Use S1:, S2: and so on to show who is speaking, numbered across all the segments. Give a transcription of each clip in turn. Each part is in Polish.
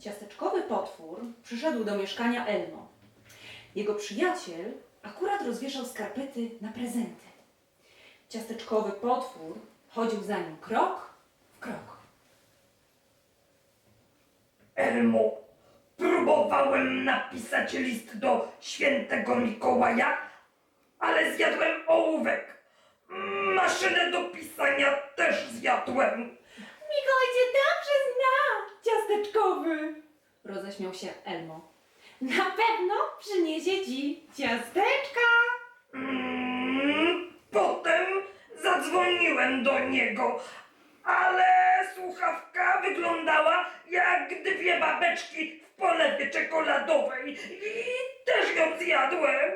S1: Ciasteczkowy potwór przyszedł do mieszkania Elmo. Jego przyjaciel akurat rozwieszał skarpety na prezenty. Ciasteczkowy potwór chodził za nim krok w krok.
S2: Elmo, próbowałem napisać list do świętego Mikołaja, ale zjadłem ołówek. Maszynę do pisania też zjadłem.
S1: Mikołaj cię dobrze zna, ciasteczkowy! Roześmiał się Elmo. Na pewno przyniesie ci ciasteczka!
S2: Potem zadzwoniłem do niego, ale słuchawka wyglądała jak dwie babeczki w polewie czekoladowej i też ją zjadłem.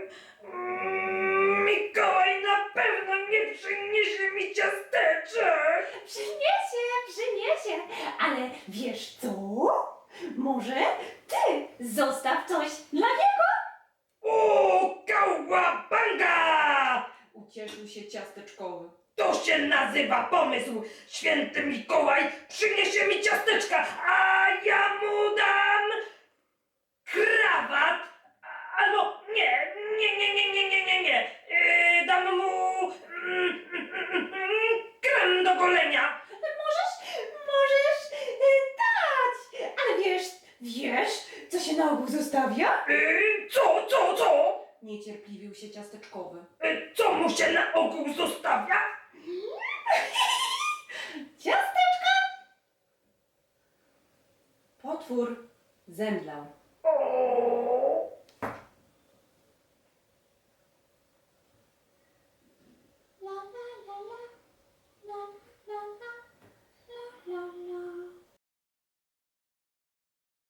S2: Mikołaj na pewno nie przyniesie mi ciasteczek.
S1: Przyniesie, ale wiesz co? Może ty zostaw coś dla niego?
S2: O, kałabanga!
S1: Ucieszył się ciasteczkowy.
S2: To się nazywa pomysł. Święty Mikołaj przyniesie mi ciasteczka, a ja mu dam krawat. Albo nie. Dam mu krem do golenia.
S1: Możesz dać, ale wiesz, co się na ogół zostawia?
S2: Co?
S1: Niecierpliwił się ciasteczkowy.
S2: Co mu się na ogół zostawia?
S1: Ciasteczka! Potwór zemdlał.
S2: O,